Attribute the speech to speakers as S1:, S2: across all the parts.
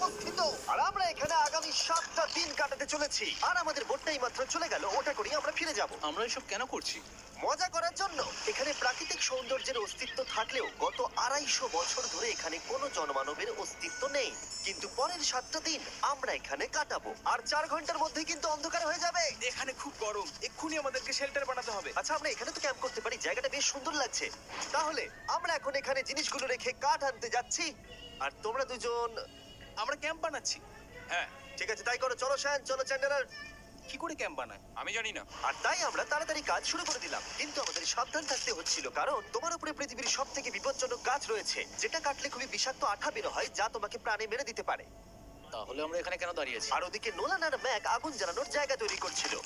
S1: অবস্থিত। আর আমরা এখানে আগামী 7টা দিন কাটাতে চলেছি। আর আমাদের বোটটাই মাত্র চলে গেল, ওটা করেই আমরা ফিরে যাব
S2: আমরা এসব কেন করছি?
S1: মজা করার জন্য। এখানে প্রাকৃতিক সৌন্দর্যের অস্তিত্ব থাকলেও গত 250 বছর ধরে এখানে কোনো জনমানবের অস্তিত্ব নেই। কিন্তু পরের 7টা দিন আমরা এখানে কাটাবো, আর 4 ঘন্টার মধ্যে কিন্তু অন্ধকার হয়ে যাবে।
S2: এখানে খুব গরম, এক্ষুনি আমাদেরকে শেল্টার বানাতে হবে।
S1: আচ্ছা, আমরা এখানে তো ক্যাম্প করতে পারি, জায়গাটা বেশ সুন্দর লাগছে। তাহলে আমরা এখন এখানে জিনিসগুলো রেখে কাঠ আনতে যাচ্ছি, আর তোমরা দুজন।
S2: আমরা ক্যাম্প বানাচ্ছি। হ্যাঁ।
S1: ঠিক আছে, তাই করো। চলো শ্যান, চলো চ্যান্ডেলার।
S2: কি করে ক্যাম্প বানায়
S3: আমি জানি না।
S1: আর তাই আমরা তাড়াতাড়ি কাজ শুরু করে দিলাম, কিন্তু আমাদের সাবধান থাকতে হচ্ছিল, কারণ তোমার উপরে পৃথিবীর সব থেকে বিপজ্জনক গাছ রয়েছে, যেটা কাটলে খুবই বিষাক্ত আঠা বের হয়, যা তোমাকে প্রাণে মেরে দিতে পারে।
S2: তাহলে আমরা এখানে কেন দাঁড়িয়ে আছি?
S1: আর ওদিকে নোলান আর ম্যাক আগুন জ্বালানোর জায়গা তৈরি করছিল।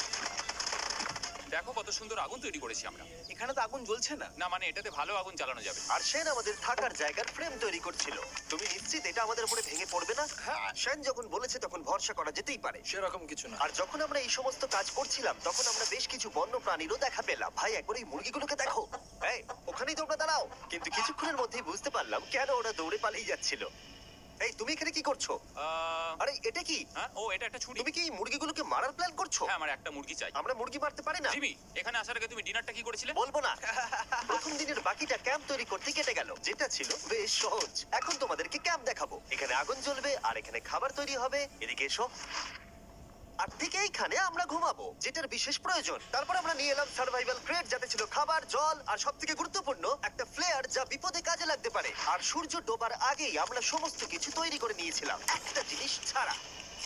S3: দেখো কত সুন্দর আগুন তৈরি করেছি আমরা।
S2: এখানে তো আগুন জ্বলছে না।
S3: না মানে এটাতে ভালো আগুন জ্বালানো যাবে।
S1: আর সেন আমাদের থাকার জায়গার ফ্রেম তৈরি করছিল। তুমি নিশ্চিত এটা আমাদের উপরে ভেঙে পড়বে না?
S2: হ্যাঁ।
S1: সেন যখন বলেছে তখন ভরসা করা যেতেই পারে।
S2: সেরকম কিছু না।
S1: আর যখন আমরা এই সমস্ত কাজ করছিলাম, তখন আমরা বেশ কিছু বন্য প্রাণীরও দেখা পেলাম। ভাই, একবার এই মুরগিগুলোকে দেখো। এই, ওখানেই তোমরা দাঁড়াও। কিন্তু কিছুক্ষণের মধ্যেই বুঝতে পারলাম কেন ওরা দৌড়ে পালিয়ে যাচ্ছিল। এই, তুমি এখানে কি করছো? আরে এটা কি?
S3: হ্যাঁ, ও এটা একটা ছুরি।
S1: তুমি কি এই মুরগিগুলোকে মারার প্ল্যান করছো?
S3: হ্যাঁ, আমার একটা মুরগি চাই।
S1: আমরা মুরগি মারতে পারি না।
S3: জিমি, এখানে আসার আগে তুমি ডিনারটা কি করেছিলে?
S1: বলবো না। প্রথম দিনের বাকিটা ক্যাম্প তৈরি করতে কেটে গেল, যেটা ছিল বেশ সহজ। এখন তোমাদেরকে ক্যাম্প দেখাবো। এখানে আগুন জ্বলবে আর এখানে খাবার তৈরি হবে। এদিকে এসো। আর ঠিক এইখানে আমরা ঘুমাবো, যেটার বিশেষ প্রয়োজন। তারপর আমরা নিয়ে এলাম সার্ভাইভাল ক্রেট, যাতে ছিল খাবার, জল আর সবথেকে গুরুত্বপূর্ণ একটা ফ্লেয়ার, যা বিপদে কাজে লাগতে পারে। আর সূর্য ডোবার আগেই আমরা সমস্ত কিছু তৈরি করে নিয়েছিলাম, একটা জিনিস ছাড়া।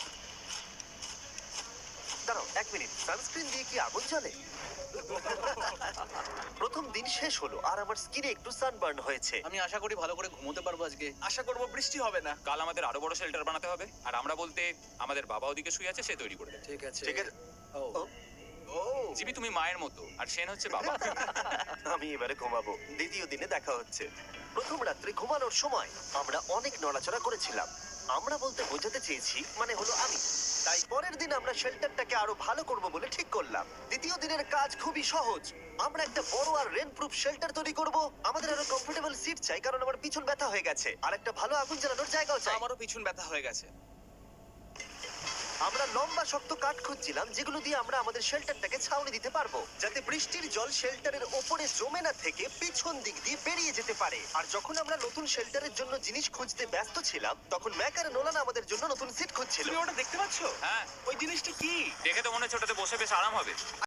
S1: দাঁড়াও 1 মিনিট, সানস্ক্রিন দিয়ে কি আগুন জ্বলে? প্রথম দিন শেষ হলো আর আমার স্কিনে একটু সানবার্ন হয়েছে।
S2: আমি আশা করি ভালো করে ঘুমোতে পারবো আজকে। আশা করব বৃষ্টি হবে না।
S3: কাল আমাদের আরো বড় শেল্টার বানাতে হবে। আর আমরা বলতে আমাদের বাবা ওদিকে শুয়ে আছে, সে তৈরি করে দেবে।
S2: ঠিক আছে।
S1: ঠিক আছে।
S2: ও
S1: ও,
S2: ও
S3: জিমি, তুমি মায়ের মতো আর সেন হচ্ছে বাবা।
S1: আমি এবারে ঘুমাবো। দ্বিতীয় দিনে দেখা হচ্ছে। প্রথম রাত্রে ঘুমানোর সময় আমরা অনেক নড়াচড়া করেছিলাম। আমরা বলতে বোঝাতে চেয়েছি, মানে হলো আমি। তাই পরের দিন আমরা শেল্টারটাকে আরো ভালো করব বলে ঠিক করলাম। দ্বিতীয় দিনের কাজ খুবই সহজ। আমরা একটা বড় আর রেন প্রুফ শেল্টার তৈরি করব। আমাদের আরো কমফোর্টেবল সিট চাই, কারণ আমার পিছন ব্যথা হয়ে গেছে। আর একটা ভালো আগুন জ্বালানোর জায়গাও চাই।
S2: আমারও পিছন ব্যথা হয়ে গেছে।
S1: আমরা লম্বা শক্ত কাঠ খুঁজছিলাম, যেগুলো দিয়ে আমরা আমাদের শেল্টারটাকে ছাউনি দিতে পারবো, যাতে বৃষ্টির জল শেল্টারের ওপরে জমে না থেকে পিছন দিক দিয়ে বেরিয়ে যেতে পারে। আর যখন আমরা নতুন শেল্টারের জন্য জিনিস খুঁজতে ব্যস্ত ছিলাম, তখন ম্যাক আর নোলান আমাদের জন্য নতুন সিট খুঁজছিল।
S2: তুমি ওটা দেখতে পাচ্ছো?
S3: হ্যাঁ,
S2: ওই জিনিসটা কি?
S3: দেখে তো মনে হচ্ছে ওটাতে বসে বেশ আরাম হবে।